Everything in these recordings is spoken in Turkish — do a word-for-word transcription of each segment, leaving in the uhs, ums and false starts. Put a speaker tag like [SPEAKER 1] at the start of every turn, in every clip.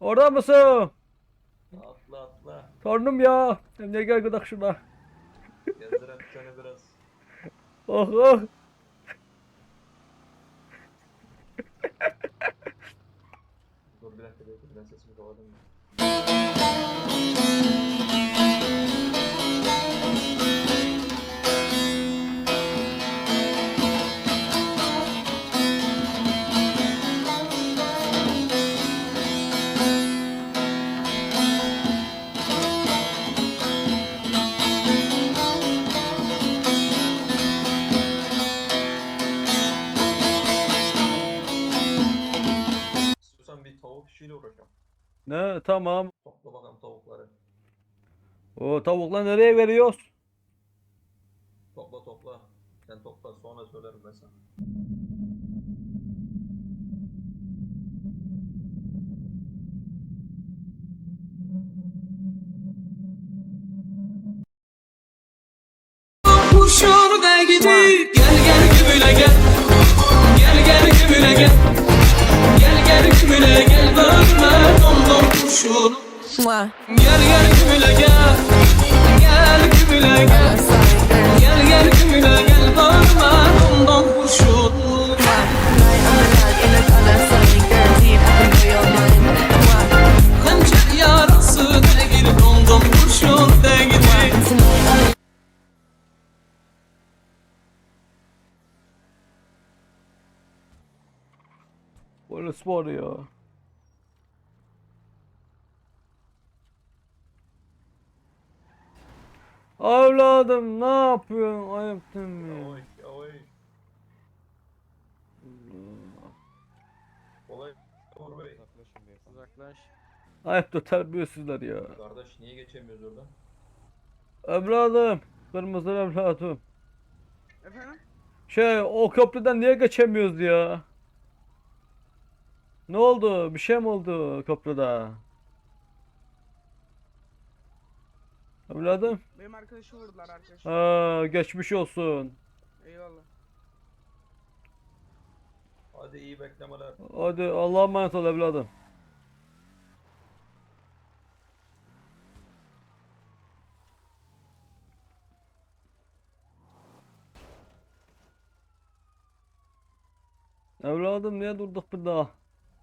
[SPEAKER 1] Orada mısın?
[SPEAKER 2] Atla atla.
[SPEAKER 1] Torunum ya. Emre gel gıdak şuna.
[SPEAKER 2] Gezdirem seni biraz.
[SPEAKER 1] Oh oh.
[SPEAKER 2] Dur bir dakika bekle ben sesimi kapadım. İstiyorsan bir tavuk işiyle uğraşalım.
[SPEAKER 1] Ne tamam.
[SPEAKER 2] Topla bakalım tavukları.
[SPEAKER 1] O tavukla nereye veriyoruz?
[SPEAKER 2] Topla topla. Sen topla sonra söylerim ben sana.
[SPEAKER 3] Kuşur da gidip gel gel gümüle gel. Gel gel gümüle gel. Gel gel gümüle gel bakma domdom kuşun. Gel gel gümüle gel. Gel gümüle gel. Gel gel gümüle gel bakma domdom kuşun. Hançer yarası da gidip domdom kuşun da gidip.
[SPEAKER 1] Polis var ya. Evladım ne yapıyorsun? Ayıptın mı?
[SPEAKER 2] Yavaş yavaş. Kolay. Uğur Bey.
[SPEAKER 4] Uzaklaşın beyefendi. Uzaklaş.
[SPEAKER 1] Ayıptır terbiyesizler ya.
[SPEAKER 2] Kardeş niye geçemiyoruz oradan?
[SPEAKER 1] Evladım. Kırmızı evladım.
[SPEAKER 4] Efendim?
[SPEAKER 1] Şey o köprüden niye geçemiyoruz ya? Ne oldu? Bir şey mi oldu köprüde? Evladım.
[SPEAKER 4] Benim arkadaşı vurdular arkadaş.
[SPEAKER 1] Ha, geçmiş olsun.
[SPEAKER 4] Eyvallah.
[SPEAKER 2] Hadi iyi beklemeler.
[SPEAKER 1] Hadi Allah'a emanet ol evladım. Evladım niye durduk burada?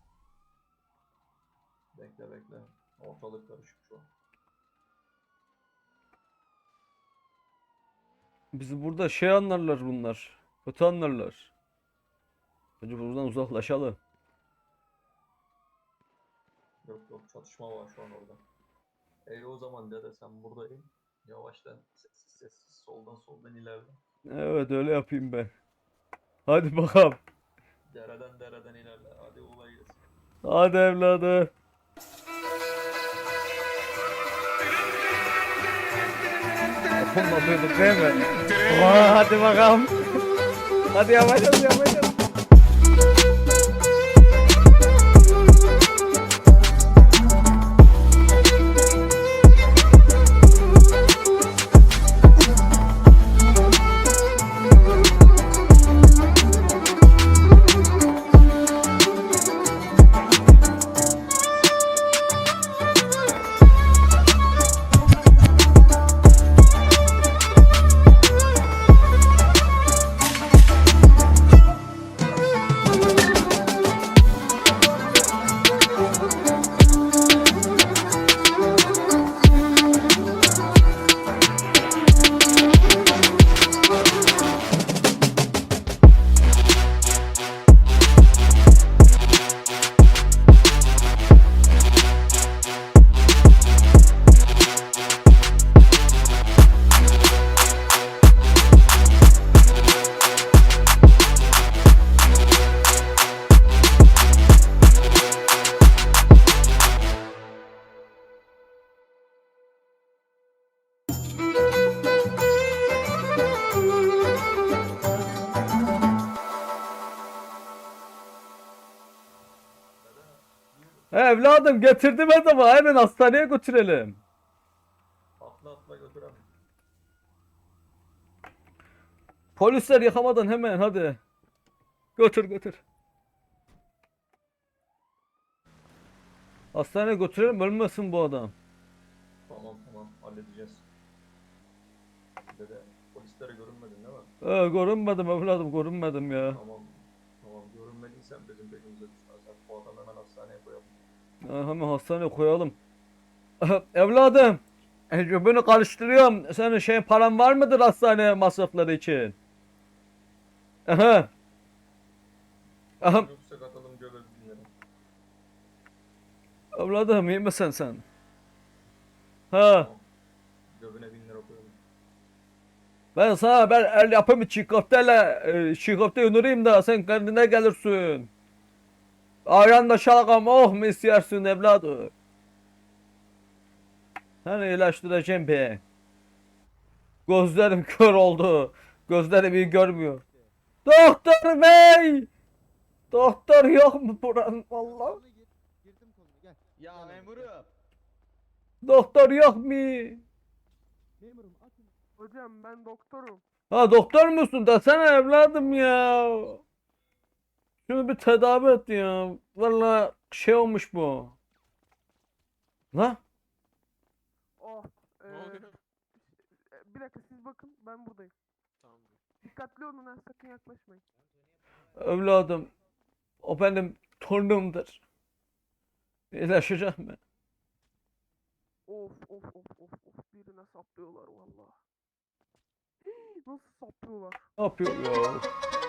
[SPEAKER 2] Bekle bekle. Ortalık karışık şu an.
[SPEAKER 1] Bizi burada şey anlarlar bunlar. Kötü anlarlar. Önce buradan uzaklaşalım.
[SPEAKER 2] Yok yok çatışma var şu an orada. Ey o zaman dede sen buradayım. Yavaştan sessiz sessiz soldan soldan ilerle.
[SPEAKER 1] Evet öyle yapayım ben. Hadi bakalım.
[SPEAKER 2] Dereden dereden ilerle. Hadi kolay gelsin.
[SPEAKER 1] Hadi evladım. Dokunmadıydık değil mi? Aa, hadi bakalım. Hadi yavaş yavaş yavaş. yavaş. Evladım getirdim adamı. Hemen hastaneye götürelim.
[SPEAKER 2] Atla atla götürem.
[SPEAKER 1] Polisler yıkamadan hemen hadi. Götür götür. Hastaneye götürelim, ölmesin bu adam.
[SPEAKER 2] Tamam tamam halledeceğiz. Dede polislere görünmedin değil mi?
[SPEAKER 1] Ee, görünmedim evladım, görünmedim ya.
[SPEAKER 2] Tamam. Tamam görünmediysen bizim peşimize düşmezler. Bu adamı hemen hastaneye koyalım.
[SPEAKER 1] Ha, hemen hastaneye koyalım. Evladım, e, bunu karıştırıyorum. Senin şeyin paran var mıdır hastane masrafları için? Aha. Aha.
[SPEAKER 2] Yoksa katalım göbek binleri.
[SPEAKER 1] Evladım iyi misin sen? Ha.
[SPEAKER 2] Tamam. Göbüne bin lira koyalım.
[SPEAKER 1] Ben sana ben el yapımı çiğ köfteyle e, çiğ köfte yunurayım da sen kendine gelirsin. Ayran da şalgam oh mu istersin evladım? Seni iyileştireceğim be. Gözlerim kör oldu. Gözlerim iyi görmüyor. Doktor bey! Doktor yok mu buranın valla?
[SPEAKER 5] Ya memurum.
[SPEAKER 1] Doktor yok mu?
[SPEAKER 4] Hocam ben doktorum.
[SPEAKER 1] Ha doktor musun? Desene evladım ya. Şunu bir tedavi et ya. Valla şey olmuş bu. La?
[SPEAKER 4] Oh.
[SPEAKER 5] Ne
[SPEAKER 4] eee,
[SPEAKER 5] oluyor?
[SPEAKER 4] e, bir dakika siz bakın ben buradayım.
[SPEAKER 5] Tamam.
[SPEAKER 4] Dikkatli olun ha sakın yaklaşmayın.
[SPEAKER 1] Evladım. O benim torunumdur. İyileşecek mi?
[SPEAKER 4] Of of of of of birine saplıyorlar valla. Nasıl saplıyorlar?
[SPEAKER 1] Ne yapıyor ya?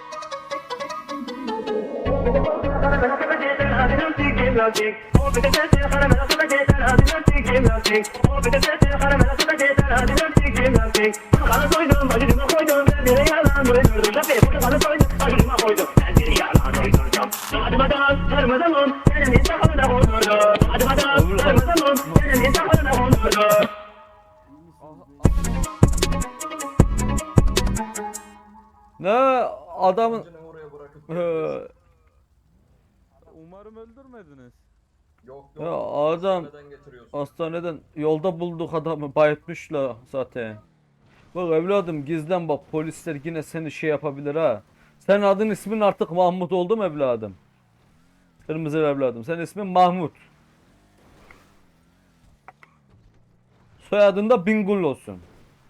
[SPEAKER 1] Ne adamın
[SPEAKER 2] Amcını oraya bırakıp
[SPEAKER 1] Ee,
[SPEAKER 2] geleceğiz.
[SPEAKER 5] Umarım öldürmediniz.
[SPEAKER 2] Yok yok.
[SPEAKER 1] ya adam
[SPEAKER 2] Hastaneden getiriyorsun.
[SPEAKER 1] hastaneden yolda bulduk adamı bayıltmışlar zaten. Bak evladım gizlen bak polisler yine seni şey yapabilir ha. Senin adın ismin artık Mahmut oldu mu evladım? Kırmızı evladım. Senin ismin Mahmut. Soyadın da Bingöl olsun.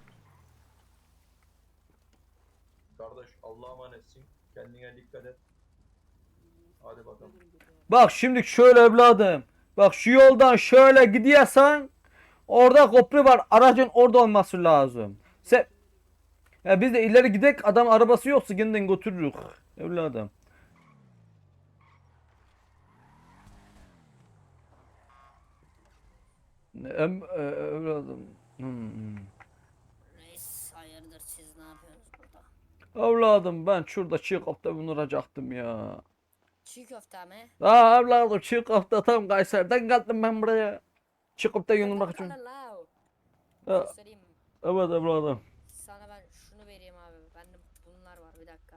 [SPEAKER 2] Kardeş Allah'a emanetsin. Kendine dikkat et. Hadi bakalım.
[SPEAKER 1] Bak şimdi şöyle evladım. Bak şu yoldan şöyle gidiyorsan orada köprü var. Aracın orada olması lazım. Sen ya biz de ileri gidek adam arabası yoksa kendin götürürük evladım. Em, e, evladım. Hmm, hmm.
[SPEAKER 6] Reis hayırdır siz ne yapıyorsunuz burada?
[SPEAKER 1] Evladım ben şurada çiğ köfte vuracaktım ya.
[SPEAKER 6] Çiğ köfte mi?
[SPEAKER 1] Aa evladım çiğ köfte tam Kayseri'den geldim ben buraya. Çiğ köfte yunurmak için.
[SPEAKER 6] Lalalao.
[SPEAKER 1] Ya,
[SPEAKER 6] Göstereyim mi?
[SPEAKER 1] evet evladım.
[SPEAKER 6] Sana ben şunu vereyim abi. Bende bunlar var bir dakika.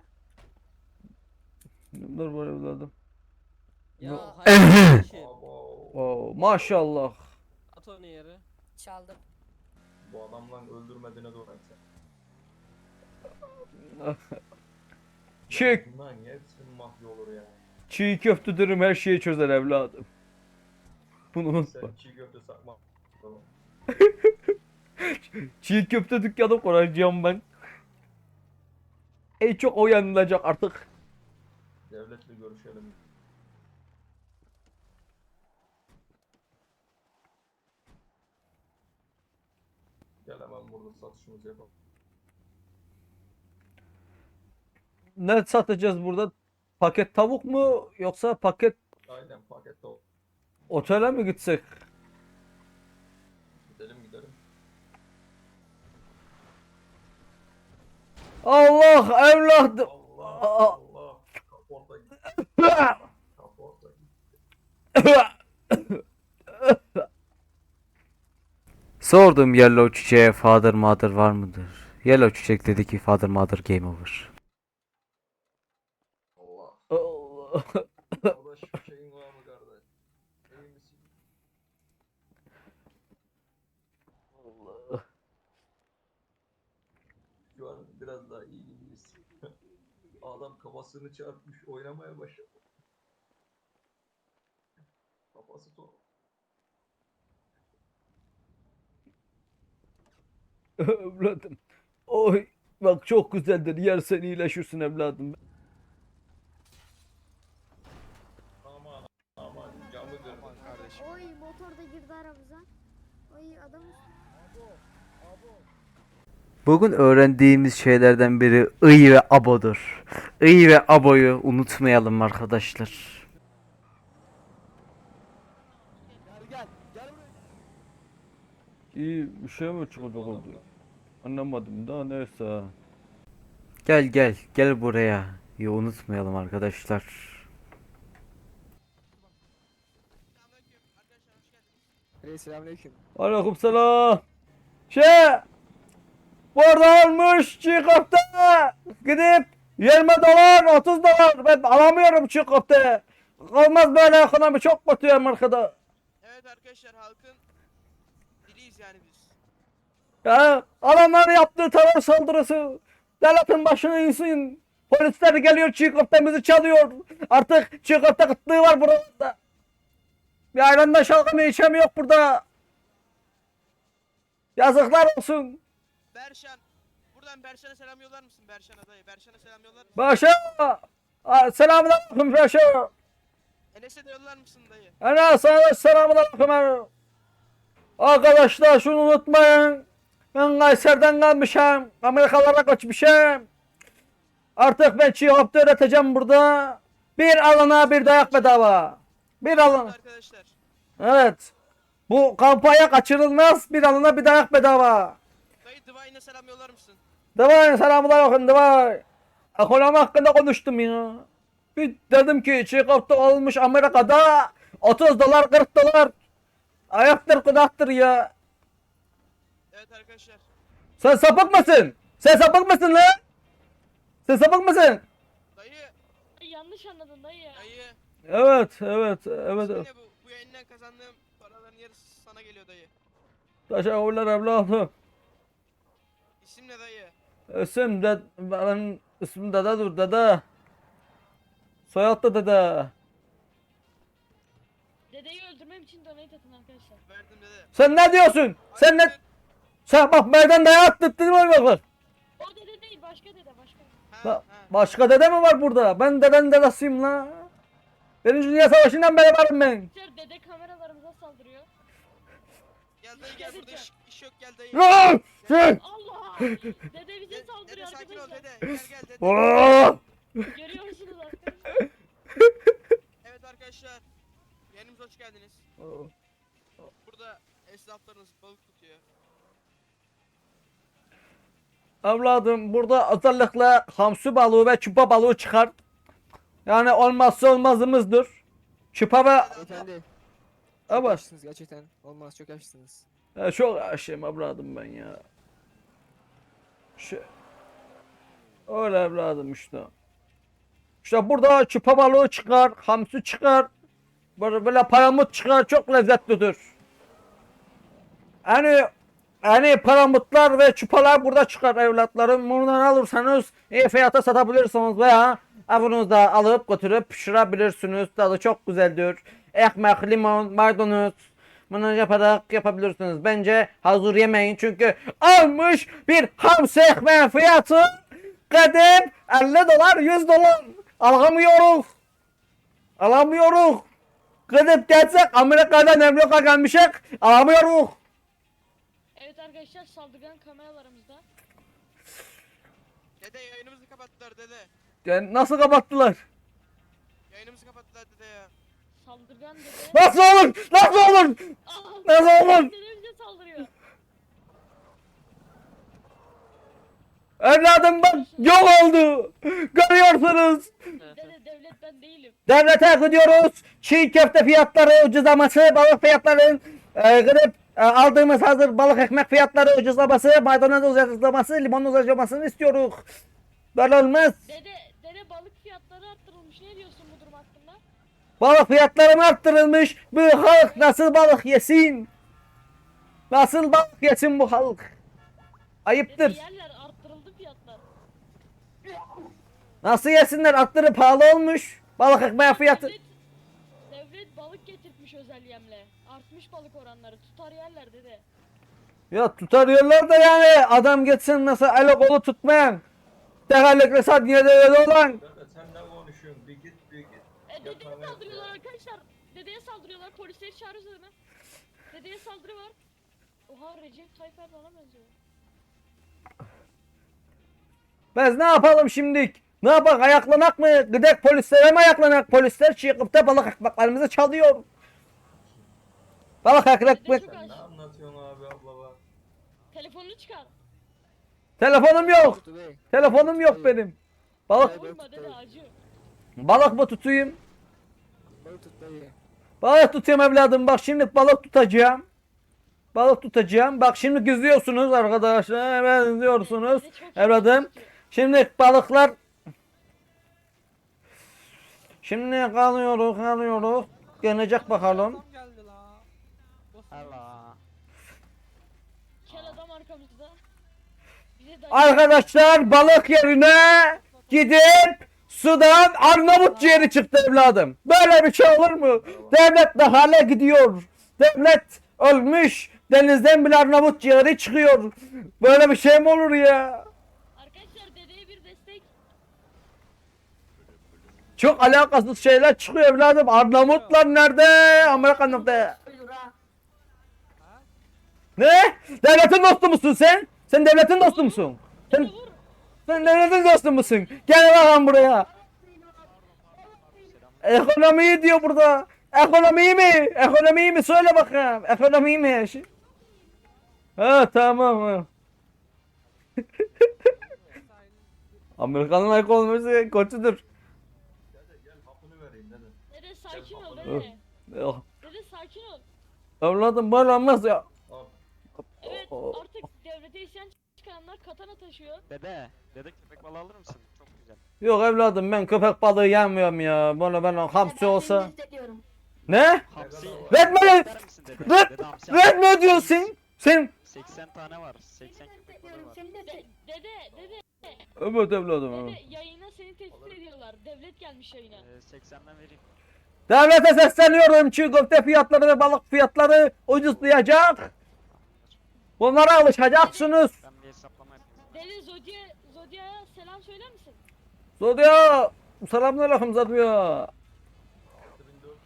[SPEAKER 1] Dur var evladım.
[SPEAKER 5] Ya
[SPEAKER 1] Bu-
[SPEAKER 5] hayır şey.
[SPEAKER 2] Abo.
[SPEAKER 1] Oo, maşallah.
[SPEAKER 5] At onu yere.
[SPEAKER 6] Çaldım.
[SPEAKER 2] Bu adamla öldürmediğine doğru sen.
[SPEAKER 1] Çiğ,
[SPEAKER 2] Bunların hepsinin mahvi olur ya.
[SPEAKER 1] çiğ köfte dürüm her şeyi çözer evladım. Bunu unutma.
[SPEAKER 2] Sen çiğ köfte sakma. Tamam.
[SPEAKER 1] Çiğ köfte dükkanı kuracağım ben. En çok o yanılacak artık.
[SPEAKER 2] Devletle görüşelim. Gel hemen burada satışımızı yapalım.
[SPEAKER 1] Ne satacağız burada? Paket tavuk mu yoksa paket
[SPEAKER 2] Aynen pakette ol.
[SPEAKER 1] otele mi gitsek?
[SPEAKER 2] Gidelim gidelim.
[SPEAKER 1] Allah evladım.
[SPEAKER 2] Allah
[SPEAKER 1] Aa.
[SPEAKER 2] Allah. Kaporta gitti. Kaporta gitti.
[SPEAKER 1] Sordum Yellow Çiçeğe father mother var mıdır? Yellow Çiçek dedi ki father mother game over.
[SPEAKER 2] Allah.
[SPEAKER 1] Allah.
[SPEAKER 2] Kardeş şeyin var mı kardeş? İyi misin? Şu an biraz daha iyi gibiyiz. Adam kafasını çarpmış oynamaya başladı. Kafası to
[SPEAKER 1] Evladım. Oy. Bak çok güzeldir. Yersen iyileşirsin evladım.
[SPEAKER 2] Aman aman camı kırdım.
[SPEAKER 7] Oy motor da girdi aramıza. Oy adam
[SPEAKER 1] Bugün öğrendiğimiz şeylerden biri ıy ve abodur. Iy ve aboyu unutmayalım arkadaşlar. İyi bir şey mi çıkacak oldu? Anlamadım da neyse. Gel gel gel buraya. İyi unutmayalım arkadaşlar.
[SPEAKER 8] Selamünaleyküm.
[SPEAKER 1] Aleykümselam. Şey, burada olmuş çiğ köfte. Gidip yirmi dolar, otuz dolar. Ben alamıyorum çiğ köfte. Olmaz böyle ekonomi çok kötü ya arkada.
[SPEAKER 9] Evet arkadaşlar halkın diliyiz yani biz.
[SPEAKER 1] Ya adamlar yaptığı terör saldırısı. Devletin başına insin. Polisler geliyor çiğ köftemizi çalıyor. Artık çiğ köfte kıtlığı var burada. Bir aylanda şalgamı içemi yok burada. Yazıklar olsun.
[SPEAKER 9] Berşan. Buradan Berşan'a selam yollar mısın Berşan'a dayı? Berşan'a selam yollar mısın?
[SPEAKER 1] Başa. Selamünaleyküm Başa.
[SPEAKER 9] Enes'e de yollar mısın dayı?
[SPEAKER 1] Ana sana selamünaleyküm. Arkadaşlar şunu unutmayın. Ben Kayseri'den gelmişim. Amerikalara kaçmışım. Artık ben çiğ köfte üreteceğim burada. Bir alana bir dayak bedava. Bir alana.
[SPEAKER 9] Arkadaşlar.
[SPEAKER 1] Evet. Bu kampanya kaçırılmaz. Bir alana bir dayak bedava.
[SPEAKER 9] Dayı Divine'a selam yollar mısın?
[SPEAKER 1] Davay selamünaleyküm davay. Ekonomi hakkında konuştum ya. Bir dedim ki çiğ köfte olmuş Amerika'da otuz dolar kırk dolar. Ayaktır kudaktır ya.
[SPEAKER 9] Evet arkadaşlar.
[SPEAKER 1] Sen sapık mısın? Sen sapık mısın lan? Sen sapık mısın?
[SPEAKER 9] Dayı.
[SPEAKER 6] Yanlış anladın dayı.
[SPEAKER 9] Dayı.
[SPEAKER 1] Evet evet evet.
[SPEAKER 9] İsmi ne bu? Bu yayından kazandığım paraların yarısı sana geliyor dayı.
[SPEAKER 1] Teşekkürler evladım.
[SPEAKER 9] İsim ne dayı?
[SPEAKER 1] İsim de benim ismim dede dur dede. Soyad da dede.
[SPEAKER 6] Dedeyi öldürmem için donate atın arkadaşlar.
[SPEAKER 9] Verdim dede.
[SPEAKER 1] Sen ne diyorsun? Sen ne? Sen bak meydan dayağı attırdın mı bak bak.
[SPEAKER 6] O dede değil başka dede başka.
[SPEAKER 9] Ha,
[SPEAKER 1] Ba-
[SPEAKER 9] ha.
[SPEAKER 1] başka dede mi var burada? Ben dedenin dedesiyim la. Birinci Dünya Savaşı'ndan beri varım ben.
[SPEAKER 6] Arkadaşlar dede kameralarımıza saldırıyor.
[SPEAKER 9] Gel dayı gel burada iş, iş yok gel dayı.
[SPEAKER 1] Lan! Sen!
[SPEAKER 6] Allah! Dede bize
[SPEAKER 9] Gel,
[SPEAKER 6] saldırıyor
[SPEAKER 9] dede sakin ol
[SPEAKER 6] arkadaşlar.
[SPEAKER 9] dede. Gel gel dede.
[SPEAKER 1] Aa!
[SPEAKER 6] Görüyor musunuz arkadaşlar?
[SPEAKER 9] Evet arkadaşlar. Yayınımıza hoş geldiniz. Burada esnaflarınız balık tutuyor.
[SPEAKER 1] Evladım burada özellikle hamsi balığı ve çupa balığı çıkar. Yani olmazsa olmazımızdır. Çupa ve...
[SPEAKER 8] Beyefendi. Çok
[SPEAKER 1] Evet.
[SPEAKER 8] yaşlısınız gerçekten. Olmaz çok yaşlısınız.
[SPEAKER 1] Ya çok aşığım evladım ben ya. Şey... Öyle evladım işte. İşte burada çupa balığı çıkar, hamsi çıkar. Böyle, böyle palamut çıkar, çok lezzetlidir. Yani yani palamutlar ve çupalar burada çıkar evlatlarım. Bundan alırsanız iyi fiyata satabilirsiniz veya evinizde alıp götürüp pişirebilirsiniz. Tadı çok güzeldir. Ekmek, limon, maydanoz bunu yaparak yapabilirsiniz. Bence hazır yemeyin çünkü almış bir hamsi ekmeğin fiyatı gidip elli dolar yüz dolar alamıyoruz. Alamıyoruz. Gidip gelsek Amerika'dan Amerika gelmişek alamıyoruz.
[SPEAKER 6] Evet arkadaşlar saldırgan kameralarımızda.
[SPEAKER 9] Dede yayınımızı kapattılar dede.
[SPEAKER 1] Yani nasıl kapattılar?
[SPEAKER 9] Yayınımızı kapattılar dede ya.
[SPEAKER 6] Saldırgan dede.
[SPEAKER 1] Nasıl olur? Nasıl olur?
[SPEAKER 6] Aa,
[SPEAKER 1] Nasıl olur?
[SPEAKER 6] dede bize saldırıyor.
[SPEAKER 1] Evladım bak yok oldu. Görüyorsunuz.
[SPEAKER 6] Dede devlet ben değilim.
[SPEAKER 1] Devlete gidiyoruz. Çiğ köfte fiyatları ucuzlaması, balık fiyatlarının e, gidip e, aldığımız hazır balık ekmek fiyatları ucuzlaması, maydanoz ucuzlaması, limon ucuzlamasını istiyoruz. Böyle olmaz.
[SPEAKER 6] Dede dede balık fiyatları arttırılmış. Ne diyorsun bu durum hakkında?
[SPEAKER 1] Balık fiyatları mı arttırılmış? Bu halk nasıl balık yesin? Nasıl balık yesin bu halk?
[SPEAKER 6] Dede
[SPEAKER 1] Ayıptır.
[SPEAKER 6] yerler arttırıldı fiyatlar.
[SPEAKER 1] Nasıl yesinler? Atları pahalı olmuş. Balık ekmeği fiyatı.
[SPEAKER 6] Devlet, devlet balık getirtmiş özel yemle. Artmış balık oranları. Tutar yerler dede.
[SPEAKER 1] Ya tutarıyorlar da yani adam gitsin mesela eli kolu tutmayan. Tekerlekli saat niye de öyle olan.
[SPEAKER 2] Dede sen ne konuşuyorsun? Bir git bir git.
[SPEAKER 6] E, dedeye
[SPEAKER 2] Yakamaya-
[SPEAKER 6] saldırıyorlar arkadaşlar. Dedeye saldırıyorlar. Polisleri çağırıyoruz hemen. Dedeye saldırı var. Oha Recep Tayyip Erdoğan'a benziyor.
[SPEAKER 1] Biz ne yapalım şimdilik? Ne yapak ayaklanak mı? Gidek polislere mi ayaklanak? Polisler çıkıp da balık ekmeklerimizi çalıyor. Balık ekmek.
[SPEAKER 6] Dede çok
[SPEAKER 2] Sen ne
[SPEAKER 6] aç.
[SPEAKER 2] anlatıyorsun abi abla bak.
[SPEAKER 6] Telefonunu çıkar.
[SPEAKER 1] Telefonum yok.
[SPEAKER 8] Tuttu bey.
[SPEAKER 1] Telefonum yok benim. Balık
[SPEAKER 6] Vurma dede acı.
[SPEAKER 1] balık mı tutayım?
[SPEAKER 8] Balık tut dayı.
[SPEAKER 1] Balık tutayım evladım. Bak şimdi balık tutacağım. Balık tutacağım. Bak şimdi gözlüyorsunuz arkadaşlar. Benziyorsunuz.
[SPEAKER 6] Dede çok
[SPEAKER 1] Evladım.
[SPEAKER 6] tutuyor.
[SPEAKER 1] Şimdi balıklar. Şimdi kalıyoruz kalıyoruz. Gelecek bakalım.
[SPEAKER 5] geldi la. Allah.
[SPEAKER 6] Kel adam arkamızda. Bize dayı.
[SPEAKER 1] Arkadaşlar balık yerine gidip sudan Arnavut ciğeri çıktı evladım. Böyle bir şey olur mu? Devlet ne hale gidiyor? Devlet ölmüş. Denizden bile Arnavut ciğeri çıkıyor. Böyle bir şey mi olur ya?
[SPEAKER 6] Arkadaşlar dedeye bir destek.
[SPEAKER 1] Çok alakasız şeyler çıkıyor evladım. Arnavutlar nerede? Amerikan nerede? Ne? Devletin dostu musun sen? Sen devletin dostu musun? Sen,
[SPEAKER 6] Vur.
[SPEAKER 1] sen devletin dostu musun? Gel bakalım buraya. Ekonomiyi diyor burada. Ekonomiyi mi? Ekonomiyi mi? Söyle bakalım. Ekonomiyi mi? Şi- Ha tamam. Ha. Amerikan'ın ekonomisi kötüdür.
[SPEAKER 2] Dede gel hapını vereyim dede.
[SPEAKER 6] Dede sakin ol
[SPEAKER 2] Öf.
[SPEAKER 6] dede.
[SPEAKER 1] Yok.
[SPEAKER 6] Dede sakin ol.
[SPEAKER 1] Evladım böyle olmaz ya.
[SPEAKER 2] Al.
[SPEAKER 6] Evet
[SPEAKER 1] O-
[SPEAKER 6] artık devlete isyan çıkaranlar katana taşıyor.
[SPEAKER 5] Dede, dede köpek balığı alır mısın? Çok güzel.
[SPEAKER 1] Yok evladım ben köpek balığı yemiyorum ya. Böyle ben hamsi olsa. Ne?
[SPEAKER 5] Hamsi.
[SPEAKER 1] Red mi?
[SPEAKER 5] İster misin dede?
[SPEAKER 1] Red,
[SPEAKER 5] Dede hamsi
[SPEAKER 1] red
[SPEAKER 5] alır.
[SPEAKER 1] mi diyorsun? Sen.
[SPEAKER 5] seksen tane var. seksen köpek balığı var.
[SPEAKER 6] De- dede dede
[SPEAKER 1] Evet evladım. evet.
[SPEAKER 6] dede yayına seni tehdit ediyorlar. Devlet gelmiş yayına.
[SPEAKER 5] Ee, seksenden vereyim.
[SPEAKER 1] Devlete sesleniyorum. Çiğ köfte fiyatları ve balık fiyatları ucuzlayacak. Bunlara alışacaksınız.
[SPEAKER 5] Ben bir hesaplama yapayım.
[SPEAKER 6] Dede Zodya Zodya'ya selam söyler misin?
[SPEAKER 1] Zodya. Selamünaleyküm Zodya.
[SPEAKER 2] altı bin dört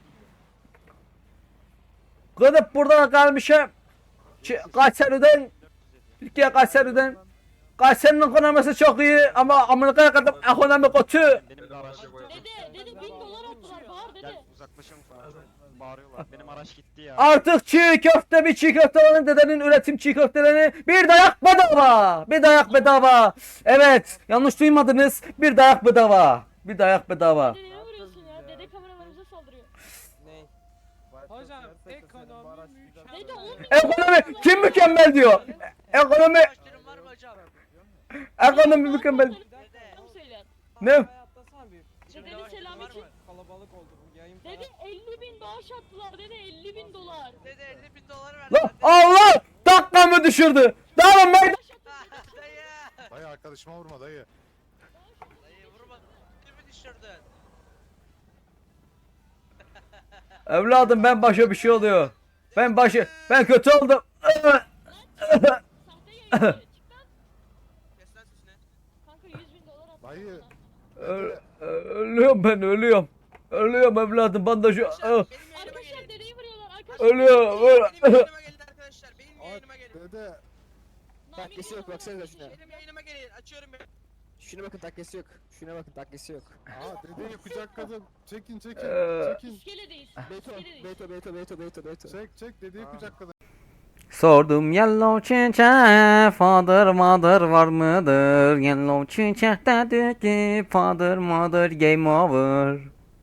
[SPEAKER 2] yüz lira.
[SPEAKER 1] Gidip burada kalmışım. Ç- Kayseri'den. Türkiye Kayseri'den. Kayseri'nin ekonomisi çok iyi ama Amerika'ya kadar ekonomi kötü.
[SPEAKER 5] Benim de araç.
[SPEAKER 6] Dede dede bin dolar attılar bağır
[SPEAKER 5] Gel
[SPEAKER 6] dede.
[SPEAKER 5] uzaklaşın falan. Bağırıyorlar. Benim araç gitti ya.
[SPEAKER 1] Artık çiğ köfte bir çiğ köfte olan dedenin üretim çiğ köftelerini bir dayak bedava. Bir dayak bedava. Evet yanlış duymadınız. Bir dayak bedava. Bir dayak bedava.
[SPEAKER 6] Dede ne vuruyorsun ya? Dede kameralarımıza saldırıyor.
[SPEAKER 5] Hocam ekonomi
[SPEAKER 6] Dede on bin
[SPEAKER 1] Ekonomi
[SPEAKER 6] dolar
[SPEAKER 1] kim mükemmel diyor. Ekonomi
[SPEAKER 9] Başlarım var mı hocam?
[SPEAKER 1] ekonomi mükemmel.
[SPEAKER 6] Selam söyler.
[SPEAKER 1] Ne?
[SPEAKER 6] Dedenin selamı için.
[SPEAKER 5] Kalabalık oldu bu yayın falan.
[SPEAKER 6] Dede elli bin bağış attılar dede elli bin dolar.
[SPEAKER 9] Dede elli bin dolar ver.
[SPEAKER 1] Lan Allah dakikamı düşürdü. Dağılın ben.
[SPEAKER 9] Dayı.
[SPEAKER 10] Dayı arkadaşıma vurma dayı.
[SPEAKER 9] Dayı vurma. Kimi düşürdün?
[SPEAKER 1] Evladım ben başa bir şey oluyor. Ben başı ben kötü oldum.
[SPEAKER 6] Sahte yayıncı. Çık lan.
[SPEAKER 9] Kes lan sesini.
[SPEAKER 6] Kanka yüz bin dolar attılar.
[SPEAKER 10] Dayı.
[SPEAKER 6] sana.
[SPEAKER 1] Ö- ö- ölüyorum ben ölüyorum. Ölüyorum evladım bandajı.
[SPEAKER 9] Arkadaşlar
[SPEAKER 1] Ö-
[SPEAKER 9] benim yayınıma
[SPEAKER 6] Arkadaşlar
[SPEAKER 9] gelin.
[SPEAKER 6] dedeyi vuruyorlar arkadaşlar.
[SPEAKER 1] Ölüyorum.
[SPEAKER 9] Benim
[SPEAKER 1] Ö-
[SPEAKER 9] yayınıma gelin arkadaşlar. Benim yayınıma gelin.
[SPEAKER 10] Dede.
[SPEAKER 8] Takkesi yok baksanıza şuna.
[SPEAKER 9] Benim yayınıma gelin. Açıyorum ben.
[SPEAKER 8] Şuna bakın takkesi yok. Şuna bakın takkesi yok.
[SPEAKER 10] Aa dedeyi kucak kadın. Çekin çekin.
[SPEAKER 1] Ee,
[SPEAKER 10] Çekin.
[SPEAKER 6] İskeledeyiz.
[SPEAKER 8] Beto,
[SPEAKER 6] İskeledeyiz.
[SPEAKER 8] Beto, Beto, Beto, Beto, Beto.
[SPEAKER 10] Çek çek dedeyi kucak kadın.
[SPEAKER 1] Sordum yellow çiçeğe father mother var mıdır? Yellow çiçek dedi ki father mother game over.